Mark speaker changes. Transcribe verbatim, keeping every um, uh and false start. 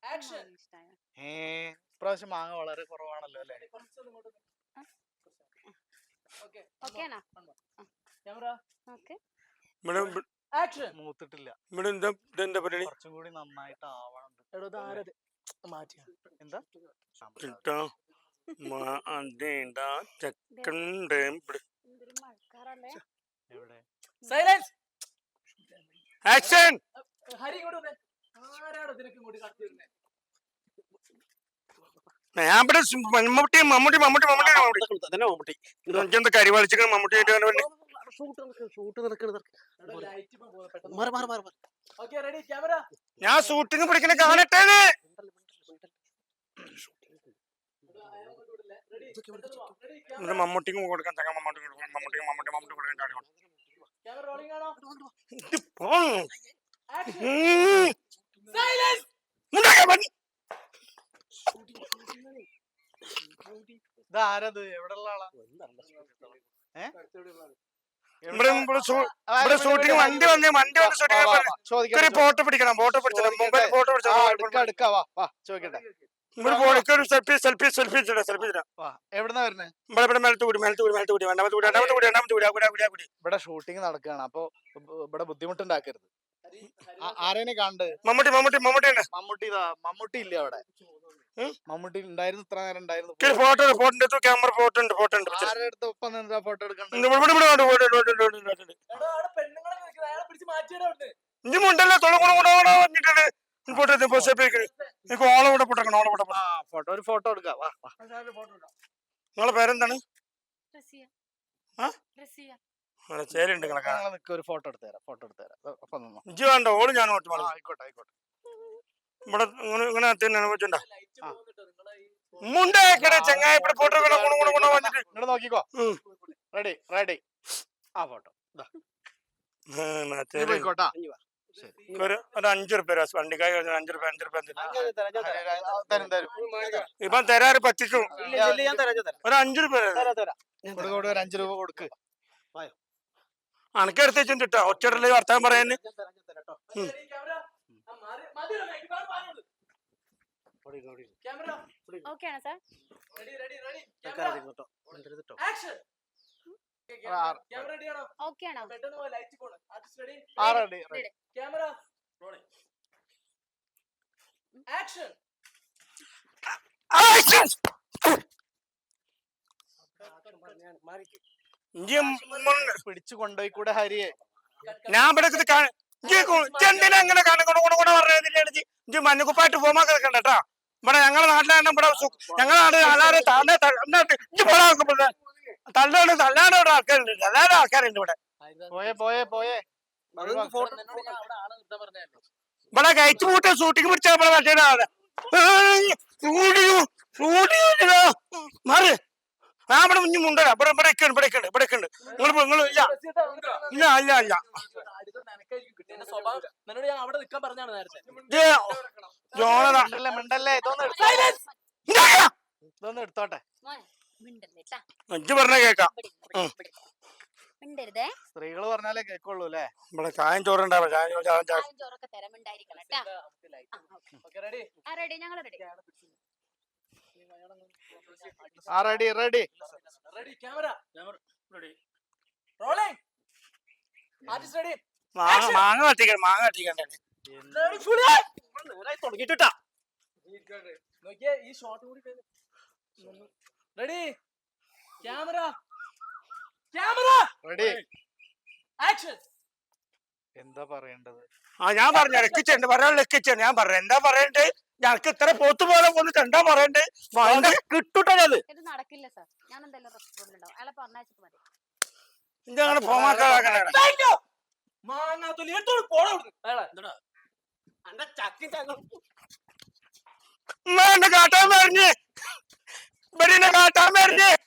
Speaker 1: ഏ ഇപ്രാവശ്യം മാങ്ങ വളരെ കുറവാണല്ലോ അല്ലേ? മൂത്തിട്ടില്ല. കുറച്ചും കൂടി നന്നായിട്ട് ആവണം. എന്താ എവിടെ
Speaker 2: ആക്ഷൻ മമ്മൂട്ടി മമ്മൂട്ടി മമ്മൂട്ടി മമ്മൂട്ടി എന്താ കരി വലിച്ചിട്ട് മമ്മൂട്ടി ഞാൻ ഷൂട്ടിങ് പിടിക്കണ കാണട്ടെ. മമ്മൂട്ടിക്ക് കൊടുക്കാൻ തങ്ങ മമ്മൂട്ടി മമ്മൂട്ടി മമ്മൂട്ടി മമ്മൂട്ടി കൊടുക്കാൻ
Speaker 1: ഇതാരത്? എവിടെയുള്ള ആളാ?
Speaker 2: ഷൂട്ടിങ് വണ്ടി വന്ന് വണ്ടി വന്ന് ഷൂട്ടിങ് ഫോട്ടോ പിടിക്കണം. ഫോട്ടോ പിടിച്ചത് മൊബൈൽ ഫോട്ടോ
Speaker 1: ചോദിക്കട്ടെ.
Speaker 2: സെൽഫി സെൽഫി സെൽഫി സെൽഫി
Speaker 1: എവിടുന്നാ വരുന്നത്?
Speaker 2: ഇവിടെ മേലത്ത് കൂടി മേലത്ത് കൂടി മേലത്ത് കൂടി രണ്ടാമത്തെ കൂടി രണ്ടാമത്തെ കൂടി രണ്ടാമത്തെ കൂടി കൂടി കൂടി കൂടി
Speaker 1: ഇവിടെ ഷൂട്ടിംഗ് നടക്കുകയാണ്. അപ്പൊ ഇവിടെ ബുദ്ധിമുട്ടുണ്ടാക്കരുത്. ആരേനെ കണ്ട്?
Speaker 2: മമ്മൂട്ടി മമ്മൂട്ടി മമ്മൂട്ടി
Speaker 1: മമ്മൂട്ടി ഇതാ. മമ്മൂട്ടി ഇല്ല അവിടെ. മമ്മൂട്ടി ഉണ്ടായിരുന്നു, ഇത്ര നേരം ഉണ്ടായിരുന്നു.
Speaker 2: ഫോട്ടോ ഫോട്ടോ ക്യാമറ ഫോട്ടോ ഉണ്ട് ഫോട്ടോ ഉണ്ട്.
Speaker 1: ആരുടെ അടുത്ത് ഒപ്പം നിന്നാ ഫോട്ടോ എടുക്കണ്ട?
Speaker 2: ഇഞ്ചി മുണ്ടല്ലോ തൊള കൂടെ കൂടെ വന്നിട്ടുണ്ട്. ഓളം കൂടെ പൊട്ടക്കണം. ഓളം കൂടെ
Speaker 1: ഫോട്ടോ ഒരു ഫോട്ടോ എടുക്കാം.
Speaker 2: നിങ്ങളെ പേരെന്താണ്? ചേരുണ്ട്
Speaker 1: ഒരു ഫോട്ടോ എടുത്തു തരാം. ഫോട്ടോ എടുത്തു തരാം.
Speaker 2: ഇഞ്ചി വേണ്ട, ഓള് ഞാൻ
Speaker 1: ആയിക്കോട്ടെ ആയിക്കോട്ടെ.
Speaker 2: ഇവിടെ ഇങ്ങനെ വെച്ചിട്ടുണ്ടോ മുണ്ടേക്കടെ ചങ്ങായി ഇവിടെ ഫോട്ടോ വന്നിട്ട്
Speaker 1: ഇങ്ങോട്ട് നോക്കിക്കോ. Ready ready. ആ ഫോട്ടോ പോയിക്കോട്ടാ.
Speaker 2: ഒരു അഞ്ചു റുപ്യ വണ്ടിക്കായി അഞ്ചു റുപ്യ അഞ്ചു റുപ്യ ഇപ്പൊ തരാറ് പറ്റിക്കും. ഒരു അഞ്ചു റുപ്യ
Speaker 1: ഒരു അഞ്ചു രൂപ കൊടുക്ക്.
Speaker 2: അണക്കെടുത്ത് വെച്ചിട്ടാ ഒറ്റടല്ലേ വർത്താനം പറയാന്.
Speaker 1: പിടിച്ചു കൊണ്ടുപോയി കൂടെ ഹരിയെ.
Speaker 2: ഞാൻ ഇവിടെ എന്തിനാ അങ്ങനെ പറഞ്ഞ മഞ്ഞക്കുപ്പായിട്ട് പോകാൻ കേട്ടാ. ഇവിടെ ഞങ്ങളുടെ നാട്ടിലാണ്. ഇവിടെ ഞങ്ങളുടെ നാട് അല്ലാതെ തള്ളാണ് തള്ളാണ് ഇവിടെ ആൾക്കാരുണ്ട്. എല്ലാവരും ആൾക്കാരുണ്ട് ഇവിടെ.
Speaker 1: പോയേ പോയേ പോയേ
Speaker 2: ഇവിടെ കഴിച്ചു കൂട്ടി ഷൂട്ടിങ് പിടിച്ചാ ഇവിടെ മറ്റേ മാറി. ഞാൻ ഇവിടെ മുന്നിൽ മുണ്ടല്ല. ഇവിടെ ഇവിടെ ഉണ്ട് ഇവിടെ ഉണ്ട് ഇവിടെ ഉണ്ട്. നിങ്ങൾ നിങ്ങൾ ഇല്ല ഇല്ല ഇല്ല ഇല്ല
Speaker 1: മിണ്ടല്ലേ. ഇതൊന്നും എടുത്തോട്ടെ.
Speaker 2: അഞ്ച് പറഞ്ഞ കേക്കാം.
Speaker 1: സ്ത്രീകള് പറഞ്ഞാലേ കേക്കുള്ളൂ അല്ലേ?
Speaker 2: ഇവിടെ ചായം ചോറുണ്ടാവും.
Speaker 1: ആ റെഡി റെഡി.
Speaker 2: മാങ്ങ കത്തിക്കണം മാങ്ങ കത്തിക്കണ്ടേ തുടങ്ങിട്ടാ.
Speaker 1: Ready camera camera ready action. എന്താ പറയേണ്ടത്?
Speaker 2: ആ ഞാൻ പറഞ്ഞു ലക്കിച്ചുണ്ട് പറയാൻ ലക്കിച്ചുണ്ട്. ഞാൻ പറഞ്ഞു എന്താ പറയണ്ടേ? ഞങ്ങൾക്ക് ഇത്ര പോത്ത് പോലെ വന്നിട്ട് എന്താ പറയണ്ടേ? കിട്ടൂട്ടത്
Speaker 3: നടക്കില്ല സാർ. ഞാൻ എന്തായാലും റെസ്റ്റോറന്റിൽ ഉണ്ടാവും. അയാളെ പറഞ്ഞയച്ചിട്ട് മതി.
Speaker 2: ഇങ്ങനെ പോമാക്കാക്കണേ. കാട്ടാൻ പറഞ്ഞ് ഇവിടെ കാട്ടാൻ പറഞ്ഞ്